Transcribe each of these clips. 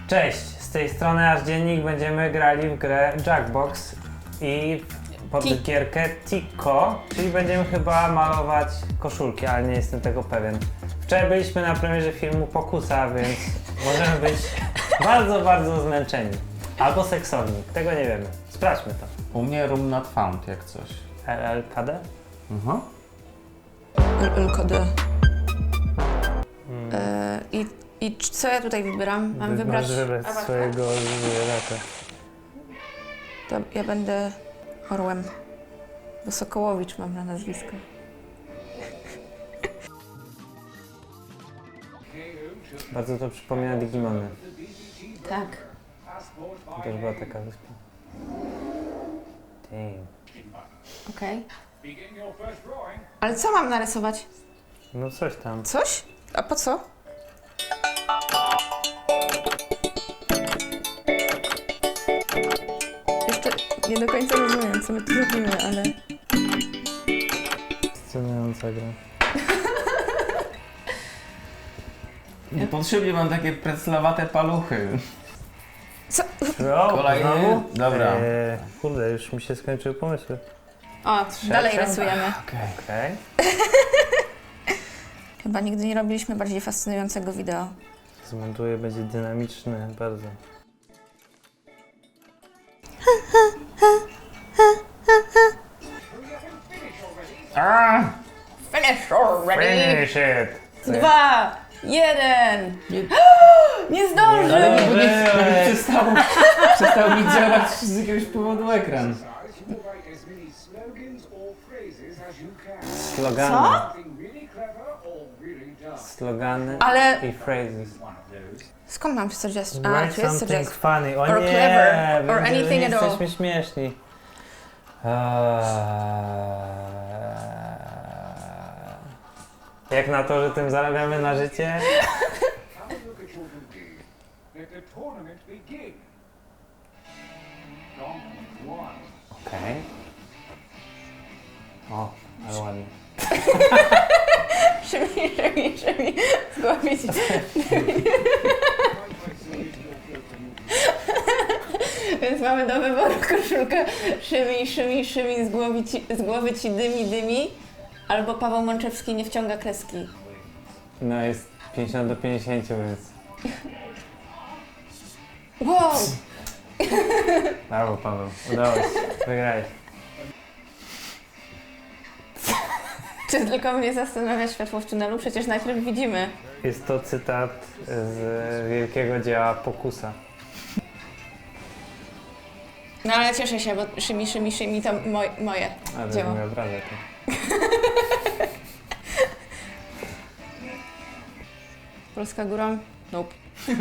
Cześć, z tej strony Aż Dziennik. Będziemy grali w grę Jackbox i podgierkę Tico, czyli będziemy chyba malować koszulki, ale nie jestem tego pewien. Wczoraj byliśmy na premierze filmu Pokusa, więc możemy być bardzo zmęczeni. Albo seksowni, tego nie wiemy. Sprawdźmy to. U mnie room not found, jak coś. LLKD? Mhm. LKD. I co ja tutaj wybieram? Mam wybrać... Możesz wybrać awatar? swojego zwierzaka. To ja będę orłem. Bo Sokołowicz mam na nazwisko. Bardzo to przypomina Digimony. Tak. To też była taka wyspa. Damn. Okej. Ale co mam narysować? No coś tam. Coś? A po co? Jeszcze nie do końca rozumiem, co my tu robimy, ale... Fascynująca gra. Niepotrzebnie mam takie preclawate paluchy. Co? Kolejny? Znowu? Dobra. Kurde, już mi się skończyły pomysły. O, dalej Trzecia? rysujemy. Okej. Chyba nigdy nie robiliśmy bardziej fascynującego wideo. Zmontuję, będzie dynamiczny bardzo. Finish already! Finish it! 2, 1! Nie zdążył! Ale nie przestał mi działać z jakiegoś powodu ekran. Slogany. Co? Slogany Ale- i phrases. Skąd mam suggest? A, Write tu jest something suggest. funny. O Or nie, clever. Or będzie, że anything nie at all. jesteśmy śmieszni. Jak na to, że tym zarabiamy na życie? Okej. O, ale ładnie. Szymi, zgłabić. Więc mamy do wyboru koszulkę Szymi, z głowy ci dymi, albo Paweł Mączewski nie wciąga kreski. No jest 50-50, więc Wow! brawo Paweł, udało się, wygrałeś. Czy tylko mnie zastanawia światło w tunelu? Przecież najpierw widzimy. Jest to cytat z wielkiego dzieła Pokusa. No ale cieszę się, bo Szymi to moje Ale dzieło. miał prawdę to. Polska górą? Nope.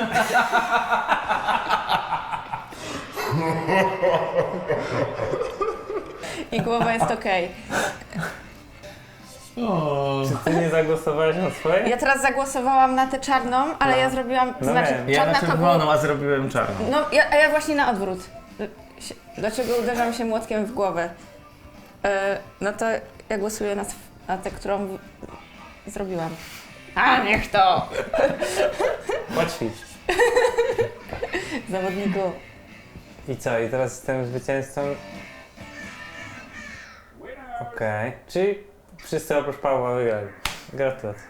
I głowa jest okej. Czy ty nie zagłosowałeś na swoje? Ja teraz zagłosowałam na tę czarną, ale ja zrobiłam, No znaczy wiem. Ja czarna na to było... czerwoną, a zrobiłem czarną. No, a ja właśnie na odwrót. Dlaczego uderzam się młotkiem w głowę? No to ja głosuję na tę, którą zrobiłam. A niech to! Poćwicz. Zawodniku. I co? I teraz jestem zwycięzcą? Okej. Czyli wszyscy oprócz Pawła wygrali. Gratulacje.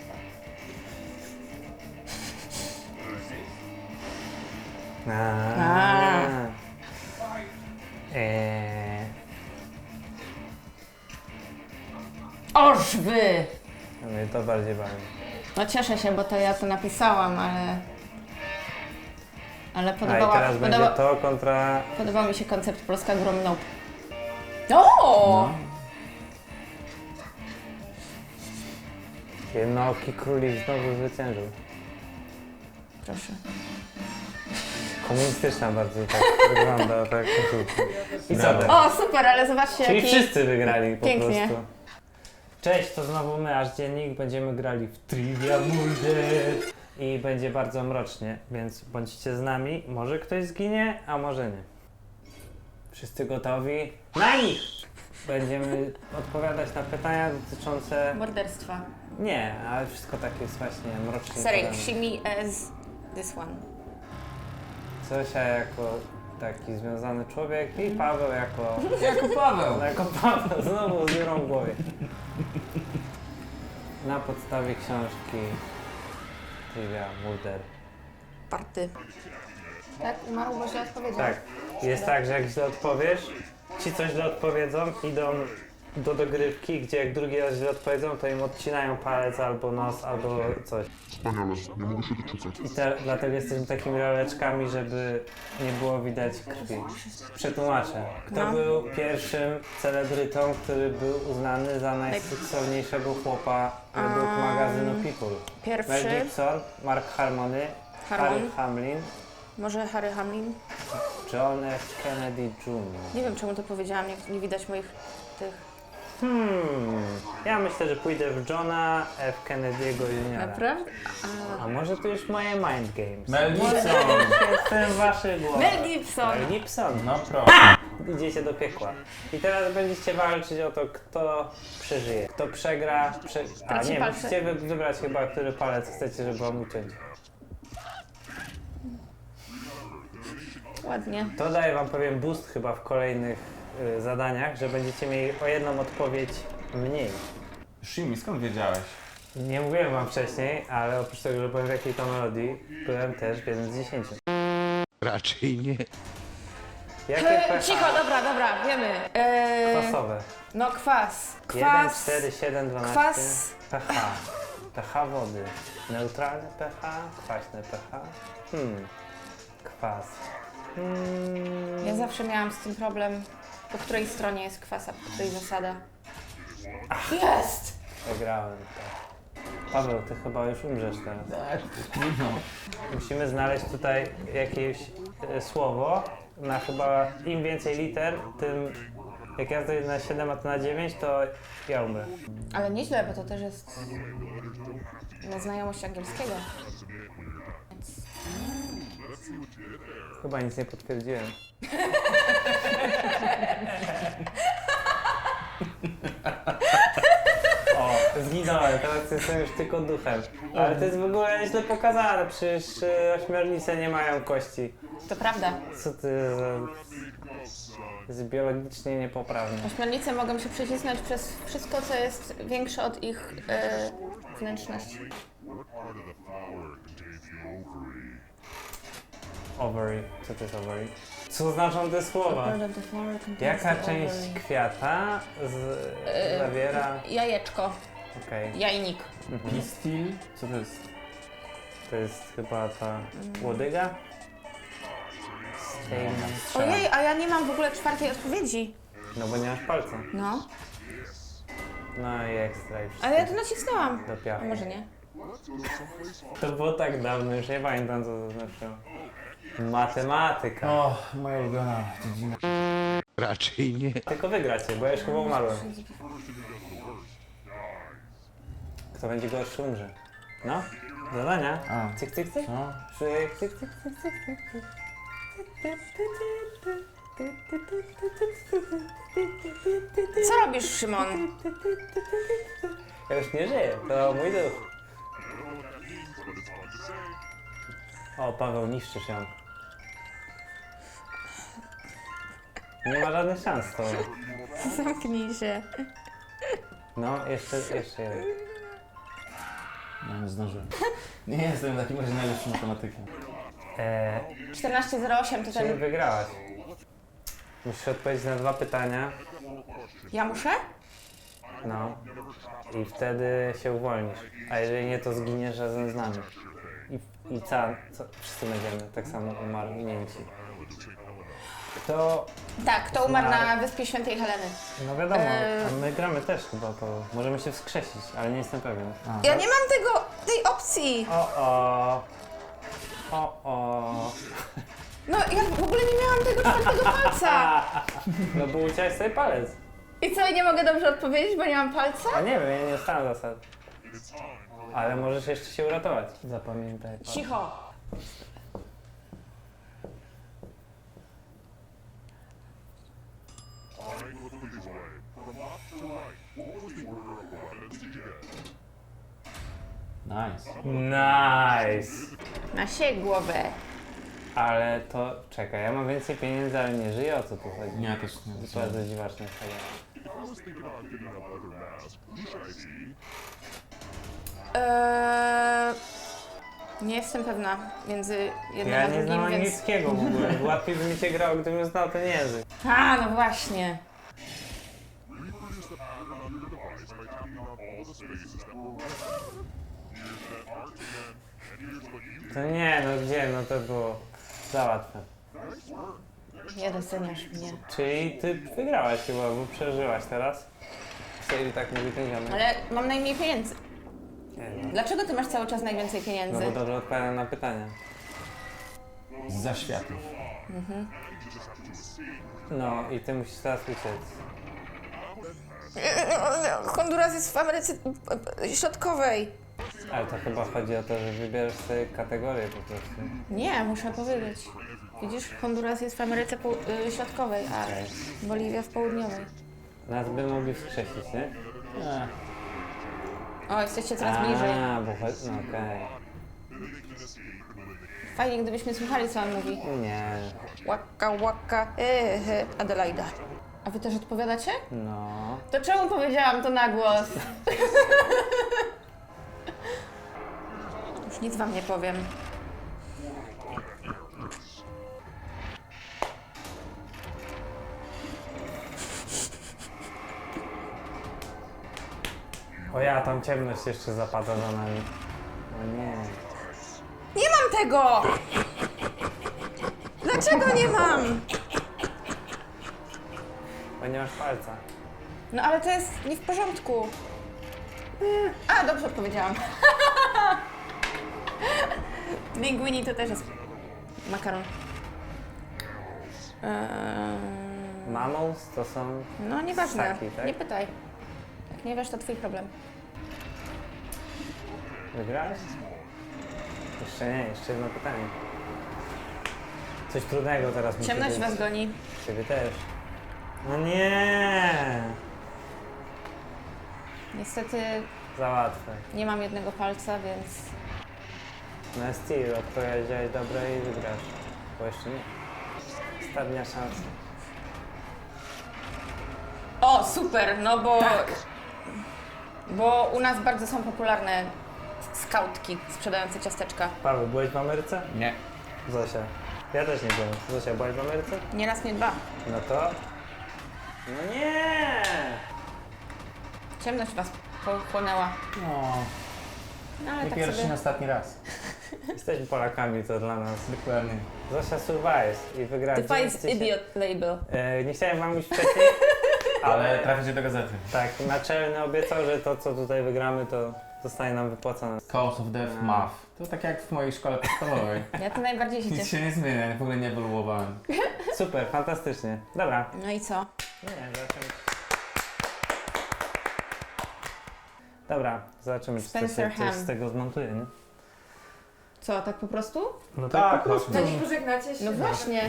Oż wy! Mnie to bardziej bawi. No cieszę się, bo to ja to napisałam, ale A i teraz będzie to kontra... podobał mi się koncept Polska górą nope. O! Jednooki królik znowu zwyciężył. Proszę. Komunistyczna bardziej tak wygląda, tak koszulka. I co Brawo. teraz? O, super, ale zobaczcie Czyli jaki... wszyscy wygrali po Pięknie. prostu. Cześć, to znowu my, Aż Dziennik. Będziemy grali w Trivia Muldet. I będzie bardzo mrocznie, więc bądźcie z nami. Może ktoś zginie, a może nie. Wszyscy gotowi? Na nich! Będziemy odpowiadać na pytania dotyczące... Morderstwa. Nie, ale wszystko tak jest właśnie mrocznie. Sorry, podane. see me as this one. Zosia jako taki związany człowiek i Paweł jako... Jako Paweł. Jako Paweł, znowu z dziurą w głowie. Na podstawie książki Trivia Mulder. Party. Tak? Umarł, bo źle odpowiedział. Tak, jest tak, że jak źle odpowiesz, ci coś źle odpowiedzą, idą do dogrywki, gdzie jak drugi raz źle odpowiedzą, to im odcinają palec albo nos, albo coś. Wspaniale, nie mogę się doczekać. Dlatego jesteśmy takimi roleczkami, żeby nie było widać krwi. Przetłumaczę. Kto No. był pierwszym celebrytą, który był uznany za najseksowniejszego chłopa według magazynu People? Mel Pierwszy, Gibson, Mark Harmony, Harry Harmon, Hamlin, może Harry Hamlin. John F. Kennedy Jr. Nie wiem, czemu to powiedziałam, nie widać moich tych... Ja myślę, że pójdę w Johna F. Kennedy'ego Jr. Naprawdę? A może to już moje mind games? Mel Gibson. Jestem w waszej głowie. Mel Gibson! Mel Gibson. No proszę. Idziecie do piekła. I teraz będziecie walczyć o to, kto przeżyje. Kto przegra, A Traci nie, palce. musicie wybrać chyba, który palec chcecie, żeby wam uciąć. Ładnie. To daje wam pewien boost chyba w kolejnych zadaniach, że będziecie mieli o jedną odpowiedź mniej. Shimi, skąd wiedziałeś? Nie mówiłem wam wcześniej, ale oprócz tego, że byłem w jakiej to melodii, byłem też w 1 z 10. Raczej nie. Jakie pH? Cicho, dobra, wiemy. Kwasowe. No kwas. 1, 4, 7, 12. Kwas. pH. pH wody. Neutralne pH, kwaśne pH. Kwas. Ja zawsze miałam z tym problem, po której stronie jest kwas, a po której zasada. Jest! Wygrałem to. Paweł, ty chyba już umrzesz teraz. Tak, trudno. Musimy znaleźć tutaj jakieś słowo na chyba im więcej liter, tym jak ja zdejdę na 7, a ty na 9, to ja umrę. Ale nieźle, bo to też jest na znajomość angielskiego. Więc... Chyba nic nie potwierdziłem. O, zginąłem, teraz jestem już tylko duchem. Ale to jest w ogóle źle pokazane, przecież ośmiornice nie mają kości. To prawda. Co ty za... jest biologicznie niepoprawne. Ośmiornice mogą się przecisnąć przez wszystko, co jest większe od ich wnętrzności. Ovary. Co to jest ovary? Co znaczą te słowa? Jaka część kwiata zawiera... Jajeczko, Okej. jajnik. Pistil? Co to jest? To jest chyba ta łodyga? Ojej, a ja nie mam w ogóle czwartej odpowiedzi. No bo nie masz palca. No, No i ekstra i wszystko. ale ja to nacisnęłam. Do A piachu. może nie? To było tak dawno, już nie pamiętam co to znaczyło. Matematyka. O, moja ulubiona dziedzina. Raczej nie. Tylko wygracie, bo ja już chyba umarłem. Kto będzie gorszy umrze. No, zadania. A. Cyk, cyk, cyk. No. Cyk, cyk, cyk, cyk, cyk, cyk, cyk. Co robisz, Szymon? Ja już nie żyję, to mój duch. O, Paweł, niszczysz ją. Nie ma żadnych szans z tobą. Zamknij się. No, jeszcze jeden. No, nie zdążyłem. Nie jestem takim razie najlepszym matematykiem. 14:08 to Czyli ten... wygrałaś. Musisz odpowiedzieć na 2 pytania. Ja muszę? No. I wtedy się uwolnisz. A jeżeli nie, to zginiesz razem z nami. I co? Wszyscy będziemy tak samo umarnięci. Kto... Tak, to umarł na Wyspie Świętej Heleny. No wiadomo, a my gramy też chyba, to możemy się wskrzesić, ale nie jestem pewien. Ja nie mam tej opcji. O. No, ja w ogóle nie miałam tego czwartego palca. No bo uciąłeś sobie palec. I co, nie mogę dobrze odpowiedzieć, bo nie mam palca? A nie wiem, ja nie ustalam zasad. Ale możesz jeszcze się uratować. Zapamiętaj. Cicho. Nice. Nice. Na siej głowę. Ale to, czekaj, ja mam więcej pieniędzy, ale nie żyję, o co tu chodzi? Nie, też nie. To bardzo dziwaczne. Nie jestem pewna między jednym Ja a nie drugim, znam więc... angielskiego w ogóle. Łatwiej by mi się grało, gdybym znał ten język. A, no właśnie. To nie, no gdzie, no to było za łatwe. Nie doceniasz mnie. Czyli ty wygrałaś chyba, bo przeżyłaś teraz. Czyli tak mówi ten ziomek. Ale mam najmniej pieniędzy. Nie wiem. Dlaczego ty masz cały czas najwięcej No pieniędzy? bo dobrze odpowiadam na pytania. Za światów. No i ty musisz teraz uciec. Honduras jest w Ameryce Środkowej. Ale to chyba chodzi o to, że wybierzesz sobie kategorię po prostu. Nie, muszę powiedzieć. Widzisz, Honduras jest w Ameryce Środkowej, a Okej. Boliwia w Południowej. Nas by mogli wskrzesić, nie? O, jesteście coraz bliżej. A, bo chodzi... No okej. Fajnie, gdybyśmy słuchali, co on mówi. Nie. Łaka, łaka, Adelaida. A wy też odpowiadacie? No. To czemu powiedziałam to na głos? Już nic wam nie powiem. O ja, tam ciemność jeszcze zapada za nami. O nie. Nie mam tego! Dlaczego nie mam? Bo nie masz palca. No ale to jest nie w porządku. A, dobrze odpowiedziałam. Linguini to też jest makaron. Mammals to są... No nieważne, Ssaki, tak? nie pytaj. Jak nie wiesz, to twój problem. Wygrałeś? Jeszcze nie, jeszcze jedno pytanie. Coś trudnego teraz musi Ciemność być. was goni. Ciebie też. No nie! Niestety Za łatwe. nie mam jednego palca, więc... No Steel, odpowiedziałeś dobre i wygrasz. Bo jeszcze nie. Ostatnia szansa. O, super, no bo... Bo u nas bardzo są popularne skautki sprzedające ciasteczka. Paweł, byłeś w Ameryce? Nie. Zosia. Ja też nie byłem. Zosia, byłaś w Ameryce? Nie raz, nie dwa. No to... No nie! Ciemność was pochłonęła. No, No ale nie tak pierwszy, sobie... nie ostatni raz. Jesteśmy Polakami, to dla nas. Dokładnie. Zosia survives i wygrała The Five 9000. Idiot Label. Nie chciałem wam mówić wcześniej, Ale traficie do gazety. tak, naczelny obiecał, że to co tutaj wygramy, to zostanie nam wypłacone. Cause of Death Math. To tak jak w mojej szkole podstawowej. Ja to najbardziej się Nic cieszę. się nie zmienia, w ogóle nie ewoluowałem. Super, fantastycznie. Dobra. No i co? Nie, zobaczymy. Dobra, zobaczymy, czy Spencer coś Ham. z tego zmontuje, nie? Co, tak po prostu? No tak, po prostu. No nie pożegnacie się. No właśnie.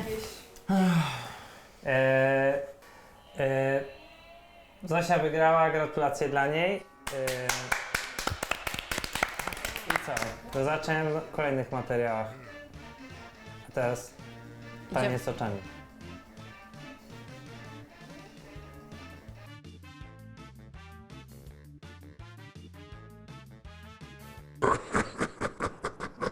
Zosia wygrała, gratulacje dla niej. I co? Do zobaczenia w kolejnych materiałach. A teraz tanie z oczami.